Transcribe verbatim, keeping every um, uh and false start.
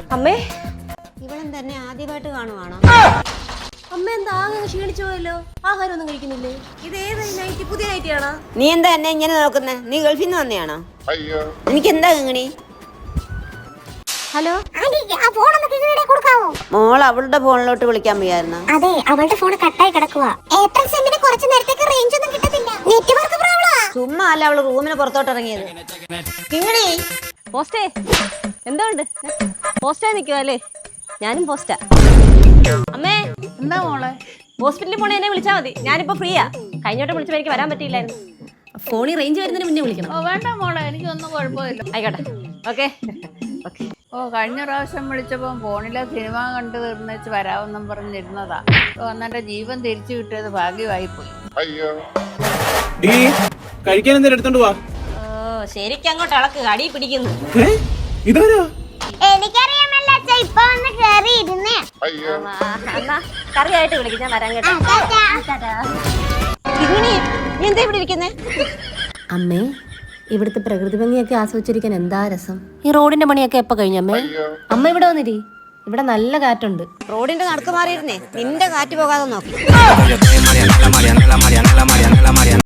അമ്മേ, ഇവളും തന്നെ ആദ്യമായിട്ട് കാണുവാണോ? അമ്മ എന്താ ആകെ ക്ഷീണിച്ചു പോയല്ലോ? ആഹാരം ഒന്നും കഴിക്കുന്നില്ലേ? ഇത് ഏത് നൈറ്റി? പുതിയ നൈറ്റി ആണോ? നീ എന്താ എന്നെ ഇങ്ങനെ നോക്കുന്നേ? നീ ഗൾഫിൽ നിന്ന് വന്നെയാണോ? എനിക്ക് എന്താ ഇങ്ങനെ? ഹലോ, മോൾ അവളുടെ ഫോണിലോട്ട് വിളിക്കാൻ വയ്യായിരുന്നു. അതെ, അവളുടെ ഫോൺ കട്ടായി കിടക്കുവാ. എയർടെൽ സിമ്മിന് കുറച്ച് നേരത്തേക്ക് റേഞ്ച് ഒന്നും കിട്ടത്തില്ല. നെറ്റ്വർക്ക് പ്രോബ്ലമാ. ചുമ്മാ അല്ല അവള് റൂമിന് പുറത്തോട്ട് ഇറങ്ങിയത്. കിങ്ങിണി, പോസ്റ്റേ എന്തുണ്ട്? പോസ്റ്റായി നിൽക്കുവാ അല്ലേ? ഞാനും പോസ്റ്റാ. അമ്മേ, എന്താ മോളെ? ഹോസ്പിറ്റലിൽ പോണേ എന്നെ വിളിച്ചാൽ മതി. ഞാനിപ്പോ ഫ്രീയാ. കഴിഞ്ഞോട്ട് വിളിച്ചപ്പോൾ എനിക്ക് വരാൻ പറ്റിയില്ലായിരുന്നു. ഫോണിൽ റേഞ്ച് വരുന്നതിന് മുന്നേ വിളിക്കണം. ഓ വേണ്ട മോളെ, എനിക്കൊന്നും കുഴപ്പമില്ല. ആയിക്കോട്ടെ, ഓക്കെ ഓക്കെ. ഓ കഴിഞ്ഞ പ്രാവശ്യം വിളിച്ചപ്പോൾ ഫോണിലെ സിനിമ കണ്ടു തീർന്നേച്ച് വരാമെന്നും പറഞ്ഞിരുന്നതാ. ഓ അന്നെന്റെ ജീവൻ തിരിച്ചു കിട്ടിയത് ഭാഗ്യമായി പോയി. കഴിക്കാൻ എന്തെങ്കിലും എടുത്തോണ്ട് വാ. ഓ ശരിക്കും അങ്ങോട്ട് ഇളക്ക്, അടി പിടിക്കുന്നു. ഇതാരാ? എനിക്കറിയാമല്ലോ അച്ഛാ, ഇപ്പൊ വന്ന് കേറി ഇരുന്നേ. എന്നാ കറിയായിട്ട് വിളിക്കും, ഞാൻ വരാൻ കേട്ടോ. കിങ്ങിണി, നീ എന്താ ഇവിടെ ഇരിക്കുന്നേ? അമ്മേ, ഇവിടുത്തെ പ്രകൃതി ഭംഗിയൊക്കെ ആസ്വദിച്ചിരിക്കാൻ എന്താ രസം. ഈ റോഡിന്റെ പണിയൊക്കെ എപ്പോ കഴിഞ്ഞമ്മേ? അമ്മ ഇവിടെ വന്നിരി, ഇവിടെ നല്ല കാറ്റുണ്ട്. റോഡിന്റെ നടുക്ക് മാറിയിരുന്നേ, നിന്റെ കാറ്റ് പോകാതെ നോക്കി.